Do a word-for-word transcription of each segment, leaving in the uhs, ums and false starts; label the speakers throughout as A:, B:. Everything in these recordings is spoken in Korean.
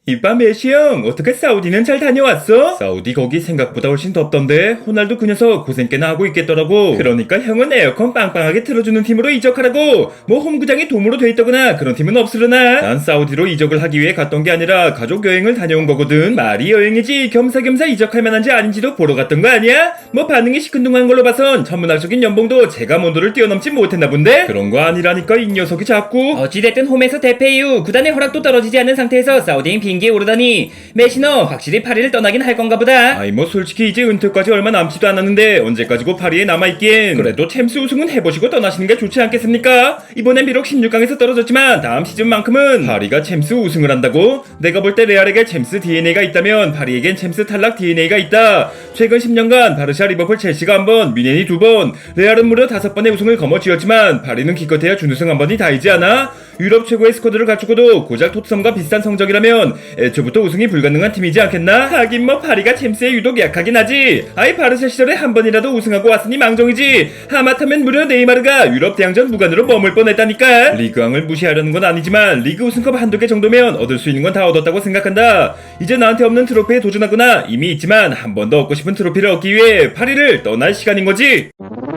A: 이봐 메시 형, 어떻게 사우디는 잘 다녀왔어? 사우디 거기 생각보다 훨씬 덥던데 호날두 그 녀석 고생 꽤나 하고 있겠더라고. 그러니까 형은 에어컨 빵빵하게 틀어주는 팀으로 이적하라고. 뭐 홈구장이 돔으로 돼 있다거나 그런 팀은 없으려나? 난 사우디로 이적을 하기 위해 갔던 게 아니라 가족 여행을 다녀온 거거든. 말이 여행이지 겸사겸사 이적할 만한지 아닌지도 보러 갔던 거 아니야? 뭐 반응이 시큰둥한 걸로 봐선 천문학적인 연봉도 제가 몬도를 뛰어넘지 못했나 본데? 그런 거 아니라니까 이 녀석이 자꾸.
B: 어찌됐든 홈에서 대패 이후 구단의 허락도 떨어지지 않는 상태에서 사우디행 비행기에 오르다니 메시너 확실히 파리를 떠나긴 할 건가 보다.
A: 아이 뭐 솔직히 이제 은퇴까지 얼마 남지도 않았는데 언제까지고 파리에 남아있긴. 그래도 챔스 우승은 해보시고 떠나시는 게 좋지 않겠습니까? 이번엔 비록 십육 강에서 떨어졌지만 다음 시즌만큼은 파리가 챔스 우승을 한다고? 내가 볼 때 레알에게 챔스 디엔에이가 있다면 파리에겐 챔스 탈락 디엔에이가 있다. 최근 십 년간 바르샤, 리버풀, 첼시가 한 번, 뮌헨이 두 번, 레알은 무려 다섯 번의 우승을 거머쥐었지만 파리는 기껏해야 준우승 한 번이 다이지 않아? 유럽 최고의 스쿼드를 갖추고도 고작 토트넘과 비슷한 성적이라면 애초부터 우승이 불가능한 팀이지 않겠나? 하긴 뭐 파리가 챔스에 유독 약하긴 하지. 아이 바르샤 시절에 한 번이라도 우승하고 왔으니 망정이지. 하마터면 무려 네이마르가 유럽 대항전 무관으로 머물 뻔했다니까. 리그왕을 무시하려는 건 아니지만 리그 우승컵 한두 개 정도면 얻을 수 있는 건 다 얻었다고 생각한다. 이제 나한테 없는 트로피에 도전하거나 이미 있지만 한 번 더 얻고 싶은 트로피를 얻기 위해 파리를 떠날 시간인 거지.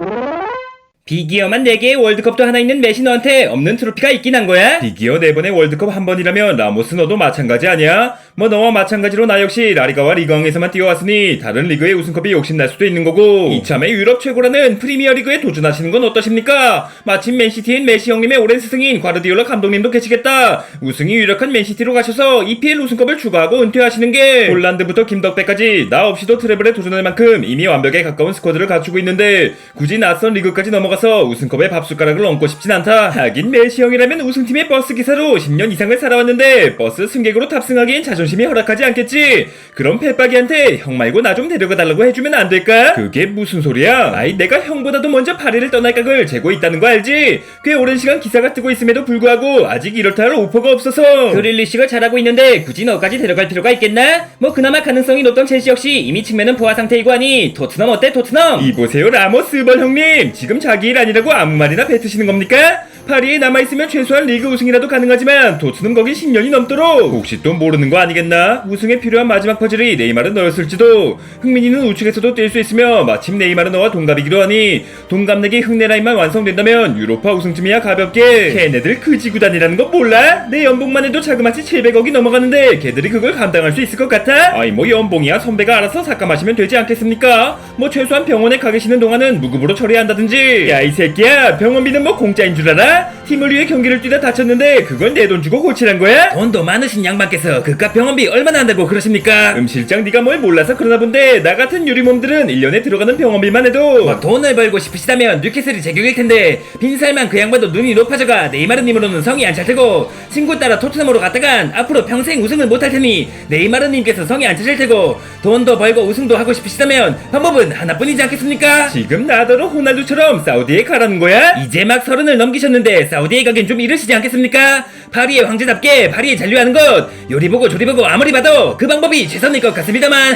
B: 비기어만 네 개의 월드컵도 하나 있는 메시 너한테 없는 트로피가 있긴 한 거야?
A: 비기어 네 번의 월드컵 한 번이라면 라모스 너도 마찬가지 아니야? 뭐 너와 마찬가지로 나 역시 라리가와 리그왕에서만 뛰어왔으니 다른 리그의 우승컵이 욕심날 수도 있는 거고, 이참에 유럽 최고라는 프리미어리그에 도전하시는 건 어떠십니까? 마침 맨시티인 메시 형님의 오랜 스승인 과르디올라 감독님도 계시겠다. 우승이 유력한 맨시티로 가셔서 이피엘 우승컵을 추가하고 은퇴하시는 게, 홀란드부터 김덕배까지 나 없이도 트래블에 도전할 만큼 이미 완벽에 가까운 스쿼드를 갖추고 있는데 굳이 낯선 리그까지 넘어가 가서 우승컵에 밥숟가락을 얹고 싶진 않다. 하긴 메시 형이라면 우승팀의 버스 기사로 십 년 이상을 살아왔는데 버스 승객으로 탑승하기엔 자존심이 허락하지 않겠지. 그럼 페빠기한테 형 말고 나 좀 데려가달라고 해주면 안 될까? 그게 무슨 소리야? 아이 내가 형보다도 먼저 파리를 떠날 각을 재고 있다는 거 알지? 꽤 오랜 시간 기사가 뜨고 있음에도 불구하고 아직 이렇다 할 오퍼가 없어서.
B: 그릴리시가 잘하고 있는데 굳이 너까지 데려갈 필요가 있겠나? 뭐 그나마 가능성이 높던 첼시 역시 이미 측면은 포화 상태이고 하니 토트넘 어때 토트넘?
A: 이보세요 라모스 번 형님, 지금 자기 일 아니라고 아무 말이나 뱉으시는 겁니까? 파리에 남아있으면 최소한 리그 우승이라도 가능하지만 도트는 거기 십 년이 넘도록 혹시 또 모르는 거 아니겠나? 우승에 필요한 마지막 퍼즐이 네이마르 너였을지도. 흥민이는 우측에서도 뛸 수 있으며 마침 네이마르 너와 동갑이기도 하니 동갑내기 흑내 라인만 완성된다면 유로파 우승쯤이야 가볍게. 걔네들 그지 구단이라는 거 몰라? 내 연봉만 해도 자그마치 칠백억이 넘어가는데 걔들이 그걸 감당할 수 있을 것 같아? 아이 뭐 연봉이야 선배가 알아서 삭감하시면 되지 않겠습니까? 뭐 최소한 병원에 가 계시는 동안은 무급으로 처리한다든지. 야 이 새끼야, 병원비는 뭐 공짜인 줄 알아? 팀을 위해 경기를 뛰다 다쳤는데 그걸 내 돈 주고 고치란 거야?
B: 돈도 많으신 양반께서 그깟 병원비 얼마나 한다고 그러십니까?
A: 음 실장 네가 뭘 몰라서 그러나 본데 나 같은 유리몸들은 일 년에 들어가는 병원비만 해도
B: 막 돈을 벌고 싶으시다면 뉴캐슬이 제격일 텐데 빈살만 그 양반도 눈이 높아져가 네이마르님으로는 성이 안 찰테고, 친구 따라 토트넘으로 갔다간 앞으로 평생 우승을 못할 테니 네이마르님께서 성이 안 차실 테고, 돈도 벌고 우승도 하고 싶으시다면 방법은 하나뿐이지 않겠습니까?
A: 지금 나더러 호날두처럼 사우디에 가라는 거야?
B: 이제 막 서른을 넘기셨는데 사우디에 가긴 좀 이르시지 않겠습니까? 파리의 황제답게 파리에 잔류하는 것, 요리 보고 조리 보고 아무리 봐도 그 방법이 최선일 것 같습니다만.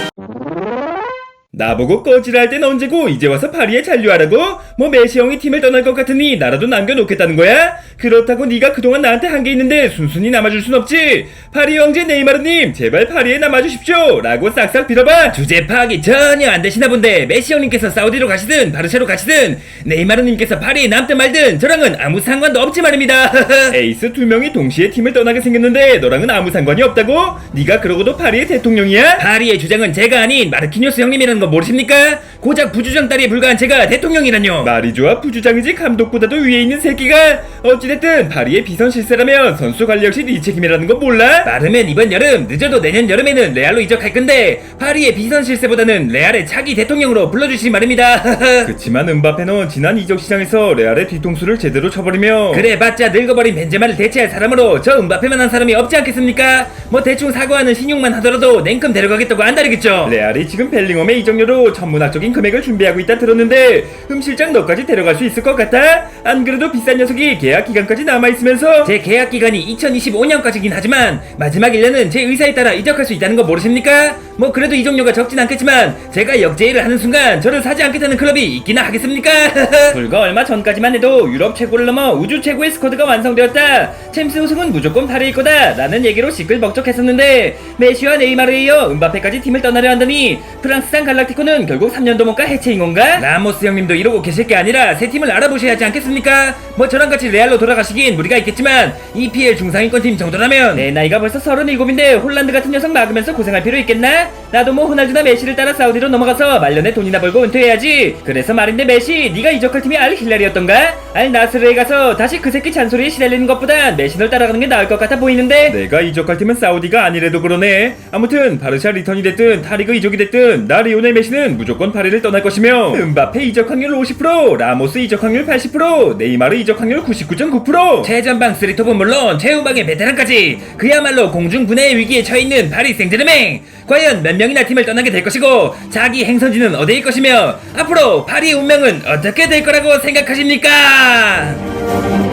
A: 나보고 꺼지랄 땐 언제고 이제 와서 파리에 잔류하라고? 뭐 메시 형이 팀을 떠날 것 같으니 나라도 남겨놓겠다는 거야? 그렇다고 네가 그동안 나한테 한 게 있는데 순순히 남아줄 순 없지. 파리 형제 네이마르님 제발 파리에 남아주십시오 라고 싹싹 빌어봐.
B: 주제 파악이 전혀 안 되시나 본데 메시 형님께서 사우디로 가시든 바르샤로 가시든 네이마르님께서 파리에 남든 말든 저랑은 아무 상관도 없지 말입니다.
A: 에이스 두 명이 동시에 팀을 떠나게 생겼는데 너랑은 아무 상관이 없다고? 네가 그러고도 파리의 대통령이야?
B: 파리의 주장은 제가 아닌 마르키뉴스 형님이라는 거 모르십니까? 고작 부주장 딸에 불과한 제가 대통령이란요.
A: 말이 좋아 부주장이지 감독보다도 위에 있는 새끼가. 어찌됐든 파리의 비선 실세라면 선수 관리 역시 네 책임이라는 거 몰라?
B: 빠르면 이번 여름, 늦어도 내년 여름에는 레알로 이적할 건데 파리의 비선 실세보다는 레알의 차기 대통령으로 불러주시기 말입니다.
A: 그치만 음바페는 지난 이적 시장에서 레알의 뒤통수를 제대로 쳐버리며
B: 그래 봤자 늙어버린 벤제마를 대체할 사람으로 저 음바페만한 사람이 없지 않겠습니까? 뭐 대충 사과하는 신용만 하더라도 냉큼 데려가겠다고 안다르겠죠.
A: 레알이 지금 벨링엄의 이적 입장료로 천문학적인 금액을 준비하고 있다 들었는데 흠 실장 너까지 데려갈 수 있을 것 같아? 안 그래도 비싼 녀석이 계약 기간까지 남아있으면서.
B: 제 계약 기간이 이천이십오 년까지긴 하지만 마지막 일 년은 제 의사에 따라 이적할 수 있다는 거 모르십니까? 뭐 그래도 이적료가 적진 않겠지만 제가 역제의를 하는 순간 저를 사지 않겠다는 클럽이 있기나 하겠습니까? 불과 얼마 전까지만 해도 유럽 최고를 넘어 우주 최고의 스쿼드가 완성되었다. 챔스 우승은 무조건 파리일 거다 라는 얘기로 시끌벅적했었는데 메시와 네이마르에 이어 은바페까지 팀을 떠나려 한다니 프랑스산 갈락티코는 결국 삼 년도 못 가 해체인 건가? 라모스 형님도 이러고 계실 게 아니라 새 팀을 알아보셔야 하지 않겠습니까? 뭐 저랑 같이 레알로 돌아가시긴 무리가 있겠지만 이피엘 중상위권팀 정도라면 내 나이가 벌써 서른일곱인데 홀란드 같은 녀석 막으면서 고생할 필요 있겠나? 나도 뭐 호날두나 메시를 따라 사우디로 넘어가서 말년에 돈이나 벌고 은퇴해야지. 그래서 말인데 메시 네가 이적할 팀이 알 힐라리였던가? 알 나스르에 가서 다시 그 새끼 잔소리에 시달리는 것보단 메시널 따라가는 게 나을 것 같아 보이는데.
A: 내가 이적할 팀은 사우디가 아니래도 그러네. 아무튼 바르샤 리턴이 됐든 타리그 이적이 됐든 나 리오넬 메시는 무조건 파리를 떠날 것이며 은바페 이적 확률 오십 퍼센트, 라모스 이적 확률 팔십 퍼센트, 네이마르 이적 확률 구십구 점 구 퍼센트.
B: 최전방 쓰리톱은 물론 최후방의 베테랑까지 그야말로 공중분해의 위기에 처해있는 파리 생제르맹. 과연 몇 명이나 팀을 떠나게 될 것이고 자기 행선지는 어디일 것이며 앞으로 파리의 운명은 어떻게 될 거라고 생각하십니까?